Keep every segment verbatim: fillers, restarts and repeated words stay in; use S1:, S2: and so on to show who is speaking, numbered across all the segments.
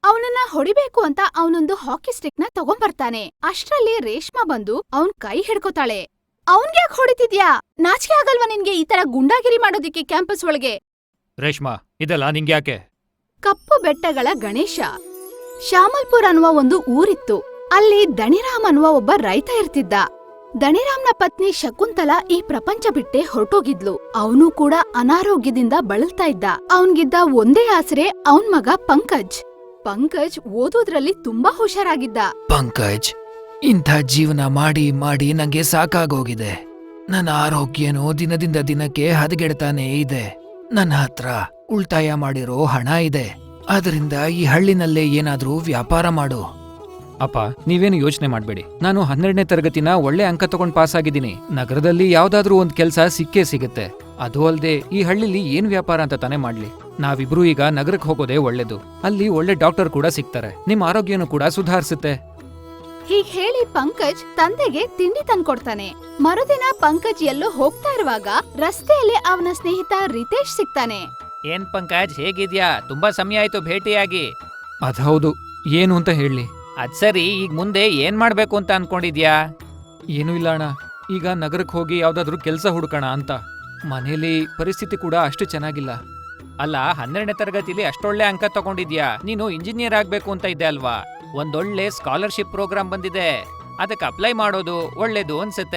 S1: ಅವನನ್ನ ಹೊಡಿಬೇಕು ಅಂತ ಅವನೊಂದು ಹಾಕಿ ಸ್ಟಿಕ್ ನ ತಗೊಂಬರ್ತಾನೆ. ಅಷ್ಟ್ರಲ್ಲಿ ರೇಷ್ಮಾ ಬಂದು ಅವನ್ ಕೈ ಹಿಡ್ಕೋತಾಳೆ. ಅವನ್ಗ್ಯಾಕ್ ಹೊಡಿತಿದ್ಯಾ? ನಾಚಿಕೆ ಆಗಲ್ವಾ ನಿನ್ಗೆ ಈ ತರ ಗುಂಡಾಗಿರಿ ಮಾಡೋದಿಕ್ಕೆ ಕ್ಯಾಂಪಸ್ ಒಳಗೆ?
S2: ರೇಷ್ಮಾ, ಇದೆಲ್ಲ ನಿಂಗ್ಯಾಕೆ?
S1: ಕಪ್ಪು ಬೆಟ್ಟಗಳ ಗಣೇಶ. ಶ್ಯಾಮಲ್ಪುರ್ ಅನ್ನುವ ಒಂದು ಊರಿತ್ತು. ಅಲ್ಲಿ ದಣಿರಾಮ್ ಅನ್ನುವ ಒಬ್ಬ ರೈತ ಇರ್ತಿದ್ದ. ದಣಿರಾಮ್ನ ಪತ್ನಿ ಶಕುಂತಲಾ ಈ ಪ್ರಪಂಚ ಬಿಟ್ಟೆ ಹೊರಟೋಗಿದ್ಲು. ಅವನು ಕೂಡ ಅನಾರೋಗ್ಯದಿಂದ ಬಳಲ್ತಾ ಇದ್ದ. ಅವನ್ಗಿದ್ದ ಒಂದೇ ಆಸರೆ ಅವನ್ ಮಗ ಪಂಕಜ್. ಪಂಕಜ್ ಓದೋದ್ರಲ್ಲಿ ತುಂಬಾ ಹುಷಾರಾಗಿದ್ದ.
S3: ಪಂಕಜ್, ಇಂಥ ಜೀವನ ಮಾಡಿ ಮಾಡಿ ನಂಗೆ ಸಾಕಾಗೋಗಿದೆ. ನನ್ನ ಆರೋಗ್ಯನೂ ದಿನದಿಂದ ದಿನಕ್ಕೆ ಹದಗೆಡ್ತಾನೇ ಇದೆ. ನನ್ನ ಹತ್ರ ಉಳ್ತಾಯ ಮಾಡಿರೋ ಹಣ ಇದೆ. ಅದರಿಂದ ಈ ಹಳ್ಳಿನಲ್ಲೇ ಏನಾದ್ರೂ ವ್ಯಾಪಾರ ಮಾಡು.
S2: ಅಪ್ಪ, ನೀವೇನು ಯೋಚನೆ ಮಾಡ್ಬೇಡಿ. ನಾನು ಹನ್ನೆರಡನೇ ತರಗತಿನ ಒಳ್ಳೆ ಅಂಕ ತಗೊಂಡ್ ಪಾಸ್ ಆಗಿದ್ದೀನಿ. ನಗರದಲ್ಲಿ ಯಾವ್ದಾದ್ರೂ ಒಂದ್ ಕೆಲ್ಸ ಸಿಕ್ಕೇ ಸಿಗುತ್ತೆ. ಅದು ಅಲ್ದೆ ಈ ಹಳ್ಳಿಲಿ ಏನ್ ವ್ಯಾಪಾರ ಅಂತ ತಾನೇ ಮಾಡ್ಲಿ. ನಾವಿಬ್ರು ಈಗ ನಗರಕ್ಕೆ ಹೋಗೋದೇ ಒಳ್ಳೇದು. ಅಲ್ಲಿ ಒಳ್ಳೆ ಡಾಕ್ಟರ್ ಕೂಡ ಸಿಗ್ತಾರೆ. ನಿಮ್ ಆರೋಗ್ಯನೂ ಕೂಡ ಸುಧಾರಿಸುತ್ತೆ.
S1: ಹೀಗ್ ಹೇಳಿ ಪಂಕಜ್ ತಂದೆಗೆ ತಿಂಡಿ ತಂದ್ಕೊಡ್ತಾನೆ. ಮರುದಿನ ಪಂಕಜ್ ಎಲ್ಲೋ ಹೋಗ್ತಾ ಇರುವಾಗ ರಸ್ತೆಯಲ್ಲಿ ಅವನ ಸ್ನೇಹಿತ ರಿತೇಶ್ ಸಿಗ್ತಾನೆ.
S4: ಏನ್ ಪಂಕಜ್, ಹೇಗಿದ್ಯಾ? ತುಂಬಾ ಸಮಯ ಆಯ್ತು ಭೇಟಿಯಾಗಿ.
S2: ಅದೌದು, ಏನು ಅಂತ ಹೇಳಿ.
S4: ಅದ್ ಸರಿ, ಈಗ ಮುಂದೆ ಏನ್ ಮಾಡ್ಬೇಕು ಅಂತ ಅನ್ಕೊಂಡಿದ್ಯಾ?
S2: ಏನೂ ಇಲ್ಲ ಅಣ್ಣ, ಈಗ ನಗರಕ್ಕೆ ಹೋಗಿ ಯಾವ್ದಾದ್ರೂ ಕೆಲ್ಸ ಹುಡುಕೋಣ ಅಂತ. ಮನೇಲಿ ಪರಿಸ್ಥಿತಿ ಕೂಡ ಅಷ್ಟು ಚೆನ್ನಾಗಿಲ್ಲ.
S4: ಅಲ್ಲ, ಹನ್ನೆರಡನೇ ತರಗತಿಲಿ ಅಷ್ಟೊಳ್ಳೆ ಅಂಕ ತಗೊಂಡಿದ್ಯಾ. ನೀನು ಇಂಜಿನಿಯರ್ ಆಗ್ಬೇಕು ಅಂತ ಇದ್ದೆ ಅಲ್ವಾ? ಒಂದೊಳ್ಳೆ ಸ್ಕಾಲರ್ಶಿಪ್ ಪ್ರೋಗ್ರಾಮ್ ಬಂದಿದೆ, ಅದಕ್ಕೆ ಅಪ್ಲೈ ಮಾಡೋದು ಒಳ್ಳೇದು ಅನ್ಸುತ್ತೆ.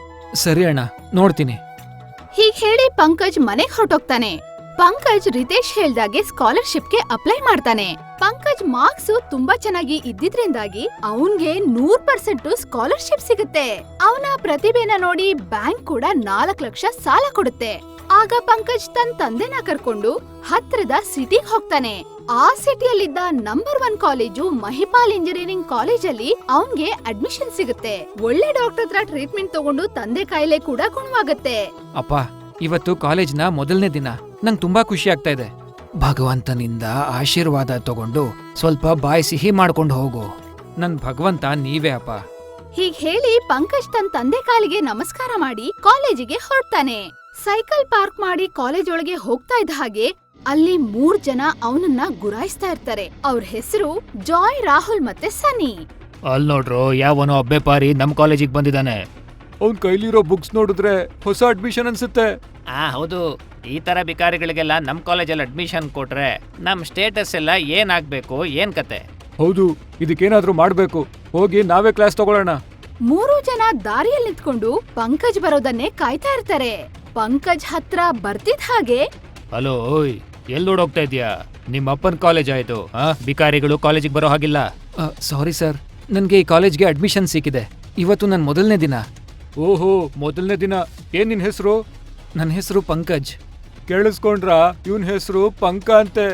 S2: ಸರಿ ಅಣ್ಣ, ನೋಡ್ತೀನಿ.
S1: ಹೀಗ್ ಹೇಳಿ ಪಂಕಜ್ ಮನೆಗ್ ಹೊರಟೋಗ್ತಾನೆ. ಪಂಕಜ್ ರಿತೇಶ್ ಹೇಳ್ದಾಗೆ ಸ್ಕಾಲರ್ಶಿಪ್ಗೆ ಅಪ್ಲೈ ಮಾಡ್ತಾನೆ. ಪಂಕಜ್ ಮಾರ್ಕ್ಸ್ ತುಂಬಾ ಚೆನ್ನಾಗಿ ಇದ್ದಿದ್ರಿಂದಾಗಿ ಅವನ್ಗೆ ನೂರ್ ಪರ್ಸೆಂಟ್ ಸ್ಕಾಲರ್ಶಿಪ್ ಸಿಗುತ್ತೆ. ಅವನ ಪ್ರತಿಭೆನ ನೋಡಿ ಬ್ಯಾಂಕ್ ಕೂಡ ನಾಲ್ಕು ಲಕ್ಷ ಸಾಲ ಕೊಡುತ್ತೆ. ಆಗ ಪಂಕಜ್ ತನ್ನ ತಂದೆನ ಕರ್ಕೊಂಡು ಹತ್ರದ ಸಿಟಿಗ್ ಹೋಗ್ತಾನೆ. ಆ ಸಿಟಿಯಲ್ಲಿದ್ದ number one college Mahipal engineering ಕಾಲೇಜಲ್ಲಿ ಅವನ್ಗೆ ಅಡ್ಮಿಷನ್ ಸಿಗುತ್ತೆ. ಒಳ್ಳೆ ಡಾಕ್ಟರ್ ಹತ್ರ ಟ್ರೀಟ್ಮೆಂಟ್ ತಗೊಂಡು ತಂದೆ ಕಾಯಿಲೆ ಕೂಡ ಗುಣವಾಗುತ್ತೆ.
S2: ಅಪ್ಪ, ಇವತ್ತು ಕಾಲೇಜ್ನ ಮೊದಲನೇ ದಿನ. ನಂಗ್ ತುಂಬಾ ಖುಷಿ ಆಗ್ತಾ ಇದೆ.
S3: ಭಗವಂತನಿಂದ ಆಶೀರ್ವಾದ ತಗೊಂಡು ಸ್ವಲ್ಪ ಬಾಯಿ ಸಿಹಿ ಮಾಡ್ಕೊಂಡು ಹೋಗು.
S2: ನನ್ ಭಗವಂತ ನೀವೇ ಅಪ್ಪ.
S1: ಹೀಗ್ ಹೇಳಿ ಪಂಕಜ್ ತನ್ನ ತಂದೆ ಕಾಲಿಗೆ ನಮಸ್ಕಾರ ಮಾಡಿ ಕಾಲೇಜಿಗೆ ಹೊರಡ್ತಾನೆ. ಸೈಕಲ್ ಪಾರ್ಕ್ ಮಾಡಿ ಕಾಲೇಜ್ ಒಳಗೆ ಹೋಗ್ತಾ ಇದ್ದ ಹಾಗೆ ಅಲ್ಲಿ ಮೂರ್ ಜನ ಅವನನ್ನ ಗುರಾಯಿಸ್ತಾ ಇರ್ತಾರೆ. ಅವ್ರ ಹೆಸರು ಜಾಯ್, ರಾಹುಲ್ ಮತ್ತೆ ಸನಿ.
S4: ಅಲ್ ನೋಡ್ರು, ಯಾವನೋ ಅಬ್ಬೆಪಾರಿ ನಮ್ ಕಾಲೇಜಿಗೆ ಬಂದಿದ್ದಾನೆ.
S2: ಅವ್ನ್ ಕೈಲಿರೋ ಬುಕ್ಸ್ ನೋಡಿದ್ರೆ ಹೊಸ ಅಡ್ಮಿಷನ್ ಅನ್ಸುತ್ತೆ.
S4: ಆ ಹೌದು, ಈ ತರ ಬಿಕಾರಿಗಳಿಗೆಲ್ಲ ನಮ್ ಕಾಲೇಜಲ್ಲಿ ಅಡ್ಮಿಷನ್ ಕೊಟ್ರೆ ನಮ್ ಸ್ಟೇಟಸ್ ಎಲ್ಲ ಏನಾಗ್ಬೇಕು, ಏನ್ ಕತೆ?
S2: ಹೌದು, ಇದಕ್ಕೇನಾದ್ರೂ ಮಾಡ್ಬೇಕು. ಹೋಗಿ ನಾವೇ ಕ್ಲಾಸ್ ತಗೊಳ್ಳೋಣ.
S1: ಮೂರು ಜನ ದಾರಿಯಲ್ಲಿ ನಿಂತ್ಕೊಂಡು ಪಂಕಜ್ ಬರೋದನ್ನೇ ಕಾಯ್ತಾ ಇರ್ತಾರೆ. ಪಂಕಜ್ ಹತ್ರ ಬರ್ತಿದ್ ಹಾಗೆ,
S4: ಹಲೋ, ಓಯ್, ಎಲ್ಲಿ ನೋಡೋಗ್ತಾ ಇದ್ಯಾ? ನಿಮ್ಮ ಅಪ್ಪನ್ ಕಾಲೇಜ್ ಆಯ್ತು, ಆ ಬಿಕಾರಿಗಳು ಕಾಲೇಜಿಗೆ ಬರೋ ಹಾಗಿಲ್ಲ.
S2: ಸಾರಿ ಸರ್, ನನ್ಗೆ ಈ ಕಾಲೇಜ್ಗೆ ಅಡ್ಮಿಷನ್ ಸಿಕ್ಕಿದೆ. ಇವತ್ತು ನನ್ ಮೊದಲನೇ ದಿನ.
S5: ಓಹೋ, ಮೊದಲನೇ ದಿನ. ಏನ್ ನಿನ್ ಹೆಸರು?
S2: ನನ್ನ ಹೆಸರು ಪಂಕಜ್.
S5: ಕೇಳಿಸ್ಕೊಂಡ್ರಾ? ಇವನ್ ಹೆಸರು ಪಂಕ ಅಂತೆ.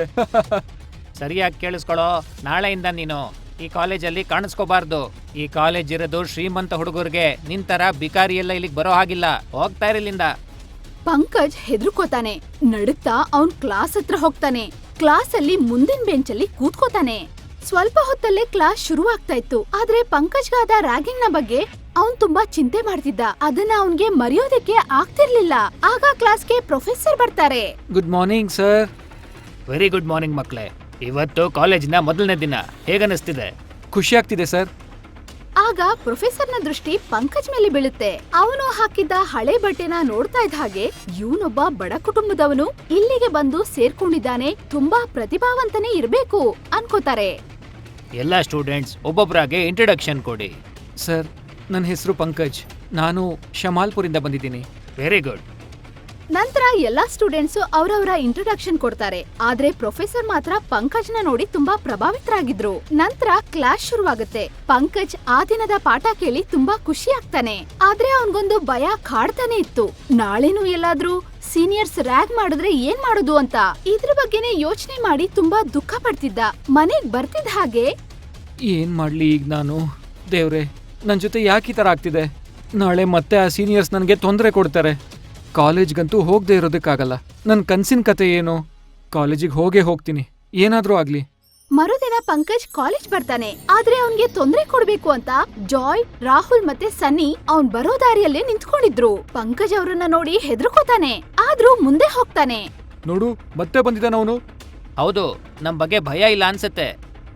S4: ಸರಿಯಾಗಿ ಕೇಳಿಸ್ಕೊಳೋ, ನಾಳೆಯಿಂದ ನೀನು ಈ ಕಾಲೇಜಲ್ಲಿ ಕಾಣಿಸ್ಕೋಬಾರ್ದು. ಈ ಕಾಲೇಜ್ ಇರೋದು ಶ್ರೀಮಂತ ಹುಡುಗರಿಗೆ, ನಿಂತರ ಬಿಕಾರಿ ಎಲ್ಲ ಇಲ್ಲಿಗೆ ಬರೋ ಹಾಗಿಲ್ಲ. ಹೋಗ್ತಾ ಇರಲಿಂದ.
S1: ಪಂಕಜ್ ಹೆದರ್ಕೋತಾನೆ. ನಡುತ್ತಾ ಅವನ್ ಕ್ಲಾಸ್ ಹತ್ರ ಹೋಗ್ತಾನೆ. ಕ್ಲಾಸ್ ಅಲ್ಲಿ ಮುಂದಿನ ಬೆಂಚಲ್ಲಿ ಕೂತ್ಕೋತಾನೆ. ಸ್ವಲ್ಪ ಹೊತ್ತಲ್ಲೇ ಕ್ಲಾಸ್ ಶುರುವಾಗ್ತಾ ಇತ್ತು. ಆದ್ರೆ ಪಂಕಜ್ಗಾದ ರ್ಯಾಗಿಂಗ್ ನ ಬಗ್ಗೆ ಅವನ್ ತುಂಬಾ ಚಿಂತೆ ಮಾಡ್ತಿದ್ದ. ಅದನ್ನ ಅವನ್ಗೆ ಮರೆಯೋದಕ್ಕೆ ಆಗ್ತಿರ್ಲಿಲ್ಲ. ಆಗ ಕ್ಲಾಸ್ಗೆ ಪ್ರೊಫೆಸರ್ ಬರ್ತಾರೆ.
S2: Good morning sir.
S4: Very good morning ಮಕ್ಳೇ. ಇವತ್ತು ಕಾಲೇಜಿನ ಮೊದಲನೇ ದಿನ. ಹೇಗನ್ನಿಸ್ತಿದೆ?
S2: ಖುಷಿ ಆಗ್ತಿದೆ ಸರ್.
S1: ಆಗ ಪ್ರೊಫೆಸರ್ನ ದೃಷ್ಟಿ ಪಂಕಜ್ ಮೇಲೆ ಬೀಳುತ್ತೆ. ಅವನು ಹಾಕಿದ್ದ ಹಳೆ ಬಟ್ಟೆನ ನೋಡ್ತಾ ಇದ್ದ ಹಾಗೆ, ಇವನೊಬ್ಬ ಬಡ ಕುಟುಂಬದವನು ಇಲ್ಲಿಗೆ ಬಂದು ಸೇರ್ಕೊಂಡಿದ್ದಾನೆ, ತುಂಬಾ ಪ್ರತಿಭಾವಂತನೇ ಇರ್ಬೇಕು ಅನ್ಕೋತಾರೆ.
S4: ಎಲ್ಲ ಸ್ಟೂಡೆಂಟ್ಸ್ ಒಬ್ಬೊಬ್ಬರಾಗೆ ಇಂಟ್ರಡಕ್ಷನ್ ಕೊಡಿ.
S2: ಸರ್, ನನ್ನ ಹೆಸರು ಪಂಕಜ್. ನಾನು ಶಮಾಲ್ಪುರಿಂದ ಬಂದಿದ್ದೀನಿ.
S4: Very good.
S1: ನಂತರ ಎಲ್ಲಾ ಸ್ಟೂಡೆಂಟ್ಸ್ ಅವರವರ ಇಂಟ್ರೊಡಕ್ಷನ್ ಕೊಡ್ತಾರೆ. ಆದ್ರೆ ಪ್ರೊಫೆಸರ್ ಮಾತ್ರ ಪಂಕಜ್ನ ನೋಡಿ ತುಂಬಾ ಪ್ರಭಾವಿತರಾಗಿದ್ರು. ನಂತರ ಕ್ಲಾಸ್ ಶುರುವಾಗುತ್ತೆ. ಪಂಕಜ್ ಆ ದಿನದ ಪಾಠ ಕೇಳಿ ತುಂಬಾ ಖುಷಿ ಆಗ್ತಾನೆ. ಆದ್ರೆ ಅವನ್ಗೊಂದು ಭಯ ಕಾಡ್ತಾನೆ ಇತ್ತು. ನಾಳೆನೂ ಎಲ್ಲಾದ್ರೂ ಸೀನಿಯರ್ಸ್ ರ್ಯಾಗ್ ಮಾಡಿದ್ರೆ ಏನ್ ಮಾಡೋದು ಅಂತ ಇದ್ರ ಬಗ್ಗೆನೇ ಯೋಚನೆ ಮಾಡಿ ತುಂಬಾ ದುಃಖ ಪಡ್ತಿದ್ದ. ಮನೆಗ್ ಬರ್ತಿದ್ದ ಹಾಗೆ,
S2: ಏನ್ ಮಾಡ್ಲಿ ಈಗ ನಾನು? ದೇವ್ರೆ, ನನ್ ಜೊತೆ ಯಾಕೆ ಈ ತರ ಆಗ್ತಿದೆ? ನಾಳೆ ಮತ್ತೆ ಆ ಸೀನಿಯರ್ಸ್ ನನ್ಗೆ ತೊಂದರೆ ಕೊಡ್ತಾರೆ. ಕಾಲೇಜ್ಗಂತೂ ಹೋಗದೆ ಇರೋದಕ್ಕಾಗಲ್ಲ. ನನ್ ಕನ್ಸಿನ ಕತೆ ಏನು? ಕಾಲೇಜಿಗೆ ಹೋಗೇ ಹೋಗ್ತೀನಿ, ಏನಾದ್ರೂ ಆಗ್ಲಿ.
S1: ಮರುದಿನ ಪಂಕಜ್ ಕಾಲೇಜ್ ಬರ್ತಾನೆ. ಆದ್ರೆ ಅವನ್ಗೆ ತೊಂದರೆ ಕೊಡ್ಬೇಕು ಅಂತ ಜಾಯ್, ರಾಹುಲ್ ಮತ್ತೆ ಸನ್ನಿ ಅವ್ನ್ ಬರೋ ದಾರಿಯಲ್ಲೇ ನಿಂತ್ಕೊಂಡಿದ್ರು. ಪಂಕಜ್ ಅವ್ರನ್ನ ನೋಡಿ ಹೆದರ್ಕೋತಾನೆ. ಆದ್ರೂ ಮುಂದೆ ಹೋಗ್ತಾನೆ.
S5: ನೋಡು, ಮತ್ತೆ ಬಂದಿದ್ದಾನ ಅವನು.
S4: ಹೌದು, ನಮ್ ಬಗ್ಗೆ ಭಯ ಇಲ್ಲ ಅನ್ಸತ್ತೆ.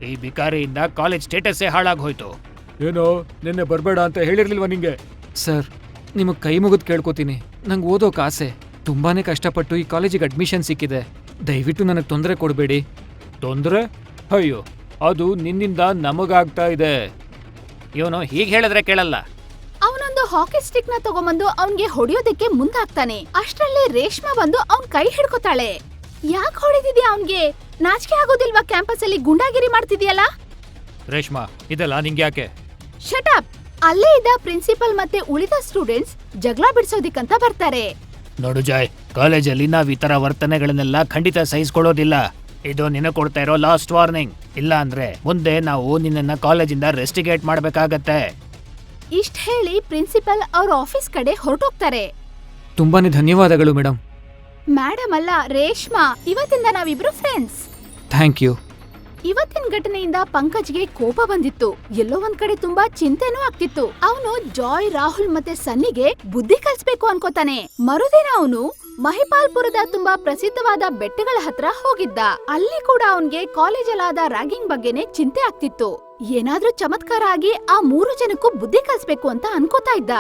S4: ಈ ಬಿಕಾರಿಯಿಂದ ಕಾಲೇಜ್ ಸ್ಟೇಟಸ್ಸೇ ಹಾಳಾಗೋಯ್ತು.
S5: ಏನೋ ನಿನ್ನೆ ಬರ್ಬೇಡ ಅಂತ ಹೇಳಿರ್ಲಿಲ್ವಾ ನಿಂಗೆ?
S2: ಸರ್ ನಿಮಗೆ ಕೈ ಮುಗಿದು ಕೇಳ್ಕೊತೀನಿ, ನಂಗೆ ಓದೋಕೆ ಆಸೆ. ತುಂಬಾನೇ ಕಷ್ಟಪಟ್ಟು ಈ ಕಾಲೇಜಿಗೆ ಅಡ್ಮಿಷನ್ ಸಿಕ್ಕಿದೆ. ದಯವಿಟ್ಟು ನನಗೆ ತೊಂದರೆ ಕೊಡಬೇಡಿ.
S5: ತೊಂದ್ರೆ? ಅಯ್ಯೋ, ಅದು ನಿನ್ನಿಂದ ನಮಗಾಗ್ತಾ ಇದೆ.
S4: ಇವನು ಹೀಗೆ ಹೇಳಿದ್ರೆ ಕೇಳಲ್ಲ.
S1: ಅವನೊಂದು ಹಾಕಿ ಸ್ಟಿಕ್ ನ ತಗೊಂಬಂದು ಅವನ್ಗೆ ಹೊಡೆಯೋದಕ್ಕೆ ಮುಂದಾಗ್ತಾನೆ. ಅಷ್ಟ್ರಲ್ಲಿ ರೇಷ್ಮಾ ಬಂದು ಅವನ್ ಕೈ ಹಿಡ್ಕೊತಾಳೆ. ಯಾಕೆ ಹೊಡೆದಿದ್ಯಾ ಅವನ್ಗೆ? ನಾಚಿಕೆ ಆಗೋದಿಲ್ವಾ ಕ್ಯಾಂಪಸ್ ಅಲ್ಲಿ ಗುಂಡಾಗಿರಿ ಮಾಡ್ತಿದ್ಯಲ್ಲ?
S4: ರೇಷ್ಮಾ, ಇದೆಲ್ಲ ನಿಂಗೆ ಯಾಕೆ?
S1: ಶಟಪ್! ಅಲ್ಲೇ ಇದ್ದ ಪ್ರಿನ್ಸಿಪಲ್ ಮತ್ತೆ ಉಳಿದ ಸ್ಟೂಡೆಂಟ್ಸ್ ಜಗಳ ಬಿಡಿಸೋದಿಕ್ಕಂತ ಬರ್ತಾರೆ.
S4: ನೋಡು ಜಾಯ್, ಕಾಲೇಜಲ್ಲಿ ನಾವ್ ಈ ತರ ವರ್ತನೆಗಳನ್ನೆಲ್ಲ ಖಂಡಿತ ಸಹಿಸ್ಕೊಳ್ಳೋದಿಲ್ಲ. ಇದು ನಿನ್ನ ಕೊಡ್ತಾ ಇರೋ ಲಾಸ್ಟ್ ವಾರ್ನಿಂಗ್. ಇಲ್ಲ ಅಂದ್ರೆ ಮುಂದೆ ನಾವು ನಿನ್ನನ್ನ ಕಾಲೇಜಿಂದ ರೆಸ್ಟಿಗೇಟ್ ಮಾಡ್ಬೇಕಾಗತ್ತೆ.
S1: ಇಷ್ಟ ಹೇಳಿ ಪ್ರಿನ್ಸಿಪಲ್ ಅವ್ರ ಆಫೀಸ್ ಕಡೆ ಹೊರಟೋಗ್ತಾರೆ.
S2: ತುಂಬಾನೇ ಧನ್ಯವಾದಗಳು ಮೇಡಮ್.
S1: ಮೇಡಮ್ ಅಲ್ಲ, ರೇಷ್ಮಾ. ಇವತ್ತಿಂದ ನಾವಿಬ್ರು ಫ್ರೆಂಡ್ಸ್.
S2: Thank you.
S1: ಇವತ್ತಿನ ಘಟನೆಯಿಂದ ಪಂಕಜ್ಗೆ ಕೋಪ ಬಂದಿತ್ತು. ಎಲ್ಲೋ ಒಂದ್ ಕಡೆ ತುಂಬಾ ಚಿಂತೆನೂ ಆಗ್ತಿತ್ತು. ಅವನು ಜಾಯ್, ರಾಹುಲ್ ಮತ್ತೆ ಸನ್ನಿಗೆ ಬುದ್ಧಿ ಕಲಿಸ್ಬೇಕು ಅನ್ಕೋತಾನೆ. ಮರುದಿನ ಅವನು ಮಹಿಪಾಲ್ಪುರದ ತುಂಬಾ ಪ್ರಸಿದ್ಧವಾದ ಬೆಟ್ಟಗಳ ಹತ್ರ ಹೋಗಿದ್ದ. ಅಲ್ಲಿ ಕೂಡ ಅವನ್ಗೆ ಕಾಲೇಜಲ್ಲಾದ ರ್ಯಾಗಿಂಗ್ ಬಗ್ಗೆನೆ ಚಿಂತೆ ಆಗ್ತಿತ್ತು. ಏನಾದ್ರೂ ಚಮತ್ಕಾರ ಆಗಿ ಆ ಮೂರು ಜನಕ್ಕೂ ಬುದ್ಧಿ ಕಲಿಸ್ಬೇಕು ಅಂತ ಅನ್ಕೋತಾ ಇದ್ದ.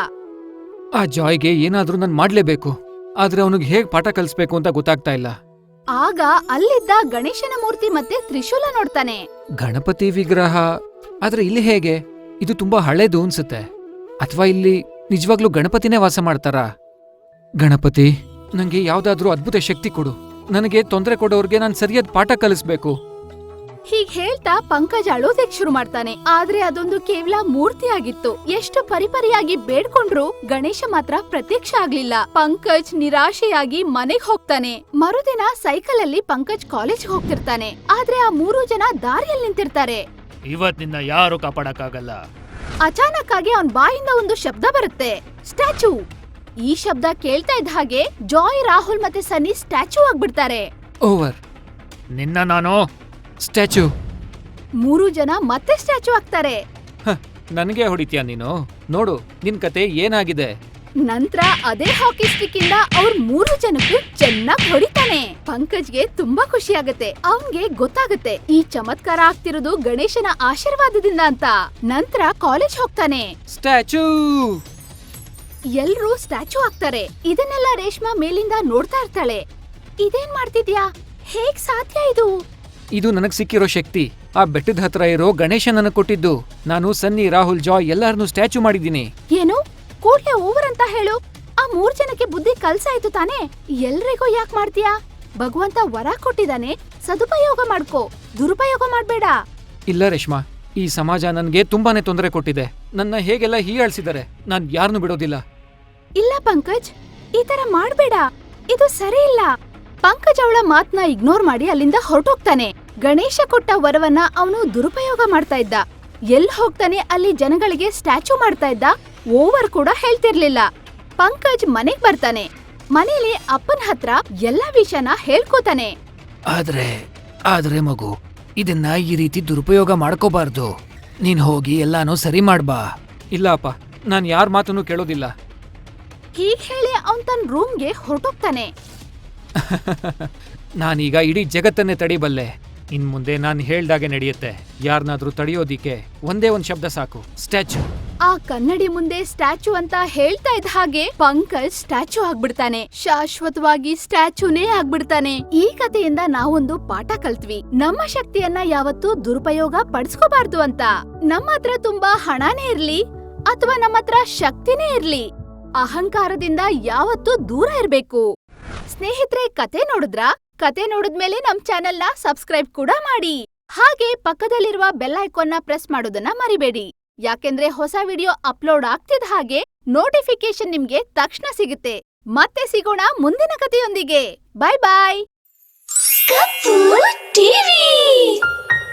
S2: ಆ ಜಾಯ್ಗೆ ಏನಾದ್ರೂ ನಾನು ಮಾಡ್ಲೇಬೇಕು, ಆದ್ರೆ ಅವನಿಗೆ ಹೇಗ್ ಪಾಠ ಕಲಿಸ್ಬೇಕು ಅಂತ ಗೊತ್ತಾಗ್ತಾ ಇಲ್ಲ.
S1: ಆಗ ಅಲ್ಲಿದ್ದ ಗಣೇಶನ ಮೂರ್ತಿ ಮತ್ತೆ ತ್ರಿಶೂಲ ನೋಡ್ತಾನೆ.
S2: ಗಣಪತಿ ವಿಗ್ರಹ, ಆದ್ರೆ ಇಲ್ಲಿ ಹೇಗೆ? ಇದು ತುಂಬಾ ಹಳೇದು ಅನ್ಸುತ್ತೆ. ಅಥವಾ ಇಲ್ಲಿ ನಿಜವಾಗ್ಲೂ ಗಣಪತಿನೇ ವಾಸ ಮಾಡ್ತಾರಾ? ಗಣಪತಿ, ನಂಗೆ ಯಾವ್ದಾದ್ರೂ ಅದ್ಭುತ ಶಕ್ತಿ ಕೊಡು. ನನಗೆ ತೊಂದರೆ ಕೊಡೋರ್ಗೆ ನಾನು ಸರಿಯಾದ ಪಾಠ ಕಲಿಸ್ಬೇಕು.
S1: ಹೀಗ್ ಹೇಳ್ತಾ ಪಂಕಜ್ ಅಳೋದಕ್ ಶುರು ಮಾಡ್ತಾನೆ. ಆದ್ರೆ ಅದೊಂದು ಕೇವಲ ಮೂರ್ತಿ ಆಗಿತ್ತು. ಎಷ್ಟು ಪರಿಪರಿಯಾಗಿ ಬೇಡ್ಕೊಂಡ್ರು ಗಣೇಶ ಮಾತ್ರ ಪ್ರತ್ಯಕ್ಷ ಆಗ್ಲಿಲ್ಲ. ಪಂಕಜ್ ನಿರಾಶೆಯಾಗಿ ಮನೆಗ್ ಹೋಗ್ತಾನೆ. ಮರುದಿನ ಸೈಕಲ್ ಅಲ್ಲಿ ಪಂಕಜ್ ಕಾಲೇಜ್ ಹೋಗ್ತಿರ್ತಾನೆ. ಆದ್ರೆ ಆ ಮೂರು ಜನ ದಾರಿಯಲ್ಲಿ ನಿಂತಿರ್ತಾರೆ.
S4: ಇವತ್ತಿನ ಯಾರು ಕಾಪಾಡಕ್ಕಾಗಲ್ಲ.
S1: ಅಚಾನಕ್ ಆಗಿ ಅವನ್ ಬಾಯಿಂದ ಒಂದು ಶಬ್ದ ಬರುತ್ತೆ, ಸ್ಟ್ಯಾಚು. ಈ ಶಬ್ದ ಕೇಳ್ತಾ ಇದ್ದ ಹಾಗೆ ಜಾಯ್, ರಾಹುಲ್ ಮತ್ತೆ ಸನ್ನಿ ಸ್ಟ್ಯಾಚು ಆಗ್ಬಿಡ್ತಾರೆ.
S2: ಓವರ್.
S4: ನಿನ್ನ ನಾನು
S2: ಸ್ಟ್ಯಾಚು.
S1: ಮೂರು ಜನ ಮತ್ತೆ ಸ್ಟ್ಯಾಚು ಆಗ್ತಾರೆ.
S2: ನನಗೆ ಹೊಡಿತೀಯ ನೀನು? ನೋಡು ನಿನ್ ಕತೆ ಏನಾಗಿದೆ.
S1: ನಂತರ ಅದೇ ಹಾಕಿ ಸ್ಟಿಕ್ ಇಂದ ಅವ್ರ ಮೂರು ಜನಕ್ಕೂ ಚೆನ್ನಾಗ್ ಹೊಡಿತಾನೆ. ಪಂಕಜ್ಗೆ ತುಂಬಾ ಖುಷಿ ಆಗತ್ತೆ. ಅವನ್ಗೆ ಗೊತ್ತಾಗತ್ತೆ ಈ ಚಮತ್ಕಾರ ಆಗ್ತಿರೋದು ಗಣೇಶನ ಆಶೀರ್ವಾದದಿಂದ ಅಂತ. ನಂತರ ಕಾಲೇಜ್ ಹೋಗ್ತಾನೆ.
S2: ಸ್ಟ್ಯಾಚು.
S1: ಎಲ್ರೂ ಸ್ಟ್ಯಾಚು ಆಗ್ತಾರೆ. ಇದನ್ನೆಲ್ಲ ರೇಷ್ಮಾ ಮೇಲಿಂದ ನೋಡ್ತಾ ಇರ್ತಾಳೆ. ಇದೇನ್ ಮಾಡ್ತಿದ್ಯಾ? ಹೇಗ್ ಸಾಧ್ಯ ಇದು?
S2: ಇದು ನನಗ್ ಸಿಕ್ಕಿರೋ ಶಕ್ತಿ. ಆ ಬೆಟ್ಟದ ಹತ್ರ ಇರೋ ಗಣೇಶ ನನಗ್ ಕೊಟ್ಟಿದ್ದು. ನಾನು ಸನ್ನಿ, ರಾಹುಲ್, ಜಾಯ್ ಎಲ್ಲಾರನ್ನೂ ಸ್ಟ್ಯಾಚು ಮಾಡಿದೀನಿ.
S1: ಏನು? ಕೂಡ್ಲೆ ಓವರ್ ಅಂತ ಹೇಳು. ಆ ಮೂರ್ ಜನಕ್ಕೆ ಬುದ್ಧಿ ಕಲ್ಸಾಯ್ತು ತಾನೆ? ಎಲ್ರಿಗೂ ಯಾಕ್ ಮಾಡ್ತೀಯಾ? ಭಗವಂತ ವರ ಕೊಟ್ಟಿದ್ದಾನೆ, ಸದುಪಯೋಗ ಮಾಡ್ಕೋ, ದುರುಪಯೋಗ ಮಾಡ್ಬೇಡ.
S2: ಇಲ್ಲ ರೇಷ್ಮಾ, ಈ ಸಮಾಜ ನನ್ಗೆ ತುಂಬಾನೇ ತೊಂದರೆ ಕೊಟ್ಟಿದೆ. ನನ್ನ ಹೇಗೆಲ್ಲ ಹೀಯಾಳ್ಸಿದ್ದಾರೆ. ನಾನ್ ಯಾರನ್ನೂ ಬಿಡೋದಿಲ್ಲ.
S1: ಇಲ್ಲ ಪಂಕಜ್, ಈ ತರ ಮಾಡ್ಬೇಡ. ಇದು ಸರಿ ಇಲ್ಲ. ಪಂಕಜ್ ಅವಳ ಮಾತ್ನ ಇಗ್ನೋರ್ ಮಾಡಿ ಅಲ್ಲಿಂದ ಹೊರಟೋಗ್ತಾನೆ. ಗಣೇಶ ಕೊಟ್ಟ ವರವನ್ನ ಅವನು ದುರುಪಯೋಗ ಮಾಡ್ತಾ ಇದ್ದ. ಎಲ್ ಹೋಗ್ತಾನೆ ಅಲ್ಲಿ ಜನಗಳಿಗೆ ಸ್ಟ್ಯಾಚು ಮಾಡ್ತಾ ಇದ್ದ. ಓವರ್ ಕೂಡ ಹೇಳ್ತಿರ್ಲಿಲ್ಲ. ಪಂಕಜ್ ಮನೆಗ್ ಬರ್ತಾನೆ. ಮನೇಲಿ ಅಪ್ಪನ ಹತ್ರ ಎಲ್ಲಾ ವಿಷಯನ ಹೇಳ್ಕೋತಾನೆ.
S3: ಆದ್ರೆ ಆದ್ರೆ ಮಗು, ಇದನ್ನ ಈ ರೀತಿ ದುರುಪಯೋಗ ಮಾಡ್ಕೋಬಾರ್ದು. ನೀನ್ ಹೋಗಿ ಎಲ್ಲಾನು ಸರಿ ಮಾಡ್ಬಾ.
S2: ಇಲ್ಲ ಅಪ್ಪ, ನಾನ್ ಯಾರ ಮಾತನ್ನು ಕೇಳೋದಿಲ್ಲ.
S1: ಹೀಗ್ ಹೇಳಿ ಅವನ್ ತನ್ನ ರೂಮ್ಗೆ ಹೊರಟೋಗ್ತಾನೆ.
S2: ನಾನೀಗ ಇಡೀ ಜಗತ್ತನ್ನೇ ತಡಿಬಲ್ಲೆ. ಇನ್ ಮುಂದೆ ನಾನ್ ಹೇಳ್ದಾಗೆ ನಡೆಯುತ್ತೆ. ಯಾರನ್ನಾದ್ರೂ ತಡೆಯೋದಿಕ್ಕೆ ಒಂದೇ ಒಂದ್ ಶಬ್ದ ಸಾಕು, ಸ್ಟ್ಯಾಚು.
S1: ಆ ಕನ್ನಡಿ ಮುಂದೆ ಸ್ಟ್ಯಾಚು ಅಂತ ಹೇಳ್ತಾ ಇದ್ದ ಹಾಗೆ ಪಂಕಜ್ ಸ್ಟ್ಯಾಚು ಆಗ್ಬಿಡ್ತಾನೆ. ಶಾಶ್ವತವಾಗಿ ಸ್ಟ್ಯಾಚುನೇ ಆಗ್ಬಿಡ್ತಾನೆ. ಈ ಕಥೆಯಿಂದ ನಾವೊಂದು ಪಾಠ ಕಲ್ತ್ವಿ. ನಮ್ಮ ಶಕ್ತಿಯನ್ನ ಯಾವತ್ತೂ ದುರುಪಯೋಗ ಪಡಿಸ್ಕೋಬಾರ್ದು ಅಂತ. ನಮ್ಮ ಹತ್ರ ತುಂಬಾ ಹಣನೇ ಇರ್ಲಿ ಅಥವಾ ನಮ್ಮ ಹತ್ರ ಶಕ್ತಿನೇ ಇರ್ಲಿ, ಅಹಂಕಾರದಿಂದ ಯಾವತ್ತೂ ದೂರ ಇರ್ಬೇಕು. ಸ್ನೇಹಿತರೆ, ಕತೆ ನೋಡಿದ್ರಾ? ಕತೆ ನೋಡಿದ್ಮೇಲೆ ನಮ್ ಚಾನೆಲ್ ನ ಸಬ್ಸ್ಕ್ರೈಬ್ ಕೂಡ ಮಾಡಿ. ಹಾಗೆ ಪಕ್ಕದಲ್ಲಿರುವ ಬೆಲ್ ಐಕಾನ್ ನ ಪ್ರೆಸ್ ಮಾಡೋದನ್ನ ಮರಿಬೇಡಿ. ಯಾಕೆಂದ್ರೆ ಹೊಸ ವಿಡಿಯೋ ಅಪ್ಲೋಡ್ ಆಗ್ತಿದ್ದ ಹಾಗೆ ನೋಟಿಫಿಕೇಶನ್ ನಿಮ್ಗೆ ತಕ್ಷಣ ಸಿಗುತ್ತೆ. ಮತ್ತೆ ಸಿಗೋಣ ಮುಂದಿನ ಕಥೆಯೊಂದಿಗೆ. ಬಾಯ್ ಬಾಯ್.
S6: ಕಪ್ಪು ಟಿವಿ.